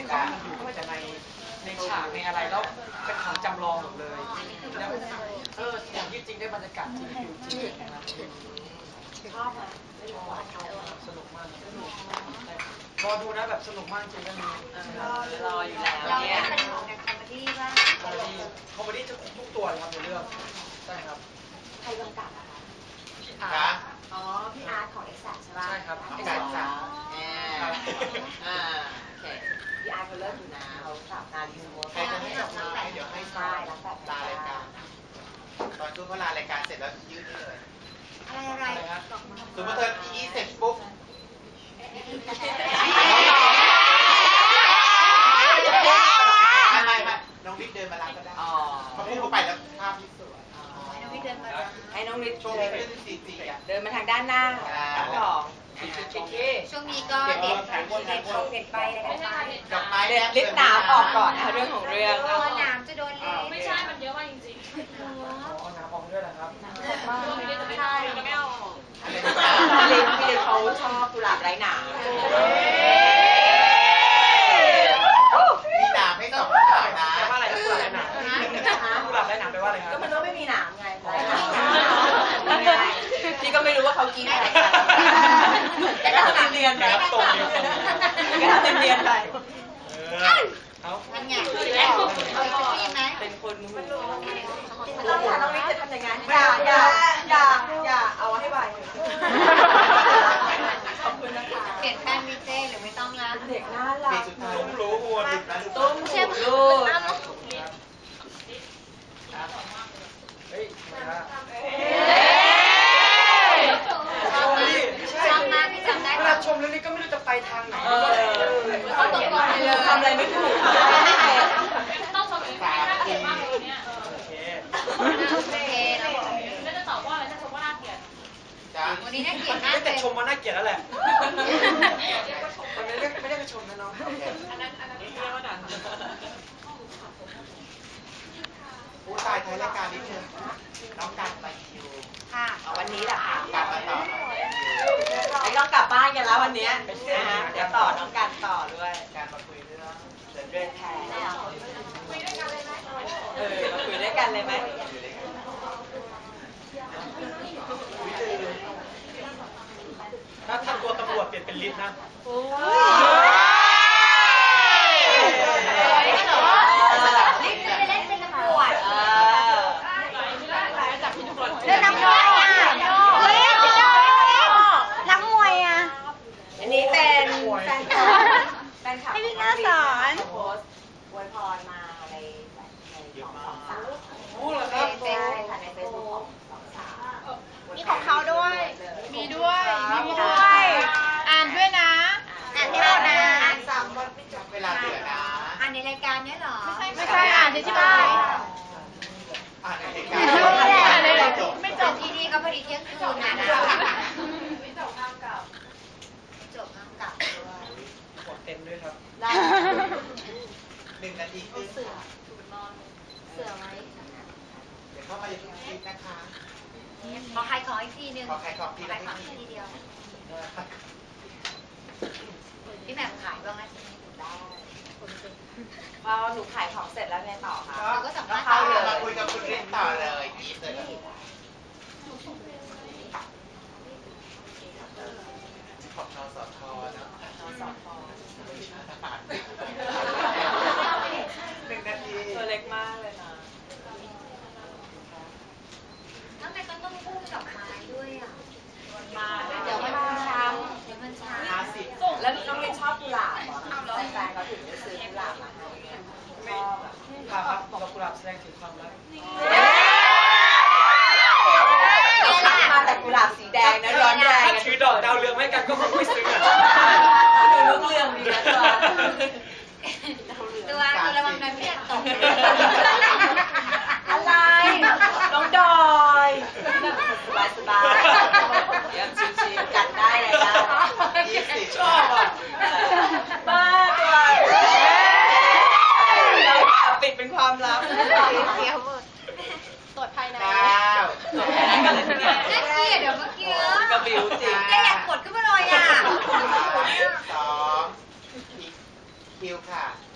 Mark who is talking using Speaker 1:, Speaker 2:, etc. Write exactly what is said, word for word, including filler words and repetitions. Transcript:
Speaker 1: เขาอยู่แต่ในในฉากในอะไรแล้วเป็นของจำลองหมดเลยแล้วเอออย่างที่จริงได้บรรยากาศจริงอยู่จริงนะครับชอบไหมสนุกมากรอดูนะแบบสนุกมากจริงก็มี
Speaker 2: รออยู่แล้วเนี่ยเป็นของแนวคอมเมดี้ป่ะ
Speaker 1: คอมเมดี้คอมเมดี้จะครบทุกตัวเลยครับในเรื่องใช่ครับ
Speaker 2: ใครกำกับอะคะ
Speaker 1: พี่อาร์ต
Speaker 2: อ๋อพี่อาร์ตของเอ็กซ์แซคใช่ป่ะ
Speaker 1: ใช่ครับ
Speaker 2: เอ็กซ์แซคจ้ะอ่าโอเคพี่อาร์ตเขาเลิกอยู่นะเขาสับนาลีสโมส
Speaker 3: ใครจะให้จับมือให้เดี๋ยวให้
Speaker 2: ใช่รับแบบ
Speaker 3: ลารายการตอนช่วงเขาลารายการเสร็จแล้วยืดนี่เลย
Speaker 2: อะไรอะไร
Speaker 3: สมมติเธออีเสร็จปุ๊บไม่ไม่ไม่น้องวิทย์เดินมารับก็ได้เขาพูดเข้าไปแล้วภาพที่สวย
Speaker 2: ให้น้องวิทย์เดินมาให้น้องวิทย์
Speaker 3: ช่วงนี้เป็นสีสีอ่ะ
Speaker 2: เดินมาทางด้านหน้าของ
Speaker 4: ช่วงนี้ก็เด็ดเด็ด
Speaker 2: ต้องเด็ดไปเลย
Speaker 3: กับไม้
Speaker 2: เด็ดลิปหนามออกก่อนนะคะเรื่องของเรื่อง
Speaker 4: ตัวหนามจะโดนเลย
Speaker 5: ไม่ใช่มันเยอะมากจริงๆ
Speaker 1: เอาน้ำออกด้วยนะครับ
Speaker 5: ใช่ไม่เอา
Speaker 2: พี่ลินพี่ลินเขาชอบกุหลาบไร้หนาม
Speaker 3: มีหนามให้สองหนามนะ
Speaker 1: แปลว่าอะไรกุหลาบไร้หนามกุหลาบไร้หนามแปลว่าอะไรครับ
Speaker 2: ก็มันก็ไม่มีหนามไงไร้หนามพี่ก็ไม่รู้ว่าเขากินอะไรกันแต่ก็ทำเรียนไปก็ทำเรียนไป
Speaker 1: เอา
Speaker 4: มันไงเคยได้ยินไหม
Speaker 2: เป็นคนหูต้องถามน้องวิทย์จะทำยังไงอย่าอย่าอย่าอย่าเอาให้ไวขอบคุณนะคะ
Speaker 4: เปลี่ยนแป้งวิเจหรือไม่ต้องละ
Speaker 2: เด็กน่ารัก
Speaker 3: ตุ้มรู้หัวติดนะ
Speaker 2: ตุ้มเชื่อมลูก
Speaker 1: เฮ้ยนะ
Speaker 4: ชอบมากพี่จำได้
Speaker 1: เวลาชมเรื่องนี้ก็ไม่รู้จะไปทางไหน
Speaker 4: เขาตกลงไปเลย
Speaker 2: ทำอะไรไม่ถูก
Speaker 5: ต้องชมอีกน่าเกลียดมากเลยเนี่ย
Speaker 1: โอเค
Speaker 4: โอเค
Speaker 5: แล้วจะตอบว่าอะไรถ้าชมว่าน่าเกลียด
Speaker 4: วันนี้น่าเกลียดมาก
Speaker 1: แต่ชมว่าน่าเกลียดแล้วแหละมันไม่ได้ไม่ได้ไปชมนะน้อง
Speaker 5: อันนั้นอันนั้นเรียกว่าดัน
Speaker 3: ผู้ตายท้ายรายการนิดนึงน้องกันไปคิว
Speaker 4: ค่ะ
Speaker 2: วันนี้แหละค่ะ
Speaker 3: กลับมาต่อ
Speaker 2: ไอ้ต้องกลับบ้านกันแล้ววันนี้นะฮะเดี๋ยวต่อน้องกันต่อด้วย
Speaker 3: การมาคุยเรื่อง
Speaker 2: เดินเดินแทน
Speaker 5: คุยด้วยกันเลยไหม
Speaker 2: เออมาคุยด้วยกันเลยไหม
Speaker 1: ถ้าถ้าตัวตำรวจเปลี่ยนเป็นลิฟต์นะ
Speaker 4: ลิฟต์ไปเล่นเป็นตำรวจ
Speaker 5: จับพี่ตำรวจ
Speaker 4: เล่นน้ำมวยอ่ะเฮ้ยพี่โดน้ำมวยอ่ะ
Speaker 2: อันนี้เป็นแฟนคลับแฟนคลับ
Speaker 4: ให้พี่น่าสอน
Speaker 2: โพสต์อวยพรมาในในของสองสาว
Speaker 1: พูดเหรอครับ
Speaker 2: เป็นค่ะในเฟซบุ๊กของสองสาว
Speaker 4: มีของเขาด้วย
Speaker 5: มีด้วย
Speaker 4: มีด้วยอ่านด้วยนะอ่านให้เรานะ
Speaker 2: อ่านสามบทไม่จบ
Speaker 3: เวลาเหลือนะ
Speaker 4: อ่านในรายการนี้เหรอ
Speaker 5: ไม่ใช่อ่านที่บ้าน
Speaker 3: อ่านในรายการ
Speaker 4: ไม่จบที่นี่ก็พอดีเที่ยงคืนนะ
Speaker 5: ไม่จบข้ามเก่า
Speaker 4: จบข้ามเก่าด้วย
Speaker 1: กดเต็มด้วยครับ
Speaker 2: ได้
Speaker 3: หนึ่งนาทีครึ่ง
Speaker 4: เสือเสือไหม
Speaker 3: เดี๋ยวเข้ามาอยู่ทุกทีนะคะ
Speaker 4: ขอใครขออีกทีนึง
Speaker 3: ขอใครขอทีละที
Speaker 4: เดียวพี่แหม่มขายบ้างไหมได้
Speaker 2: พอหนูขายของเสร็จแล้วไงต่อคะ
Speaker 4: เราก็สัมภาษณ์
Speaker 2: เข้าเลย
Speaker 3: มาคุยกับคุณเรนต่อเลยอีฟเลยของนสทนะ
Speaker 2: นสท
Speaker 3: หนึ่งนาที
Speaker 2: ตัวเล็กมากเลยนะ
Speaker 4: แล้วทำไมต้องพูดกับไม้ด้วยอ่ะ
Speaker 2: มาเดี๋ยวมันช้ำ
Speaker 4: เดี๋ยวมันช้
Speaker 3: ห้าสิบ
Speaker 2: แล้วน้องเรนชอบกุหลาบเหรอแฟนเขาถึงจะซื้อกุหลาบมาให้ชอบแบบ
Speaker 1: ครับดอกกุหลาบแสดงถึงความรัก
Speaker 2: มาแต่กุหลาบสีแดงนะร้อนแรง
Speaker 1: ถ้าถือดอกดาวเรืองไม่กันก็คงไม่ซื้ออ่ะ
Speaker 2: ดูลูกเรืองดีนะตัว
Speaker 4: ตัวคือระวังนะพี่ตก
Speaker 2: อะไรน้องดอยสบายสบายเดี๋ยวชิวๆกันได้เลยนะ
Speaker 3: ยี่สิบ
Speaker 1: ชอบอ่ะ
Speaker 2: บ้าตัวปิดเป็นความลับ
Speaker 4: เดี๋ยว
Speaker 5: ตรวจภายใน
Speaker 3: เก้า
Speaker 2: ตรวจภายในกันเลยทีเดียว
Speaker 4: น่าเกลียดเดี๋ยวเมื่อกี้
Speaker 2: กระบิวจริง
Speaker 4: แกอยากกดขึ้นมาเลยอ่ะ
Speaker 3: สองคิวค่ะ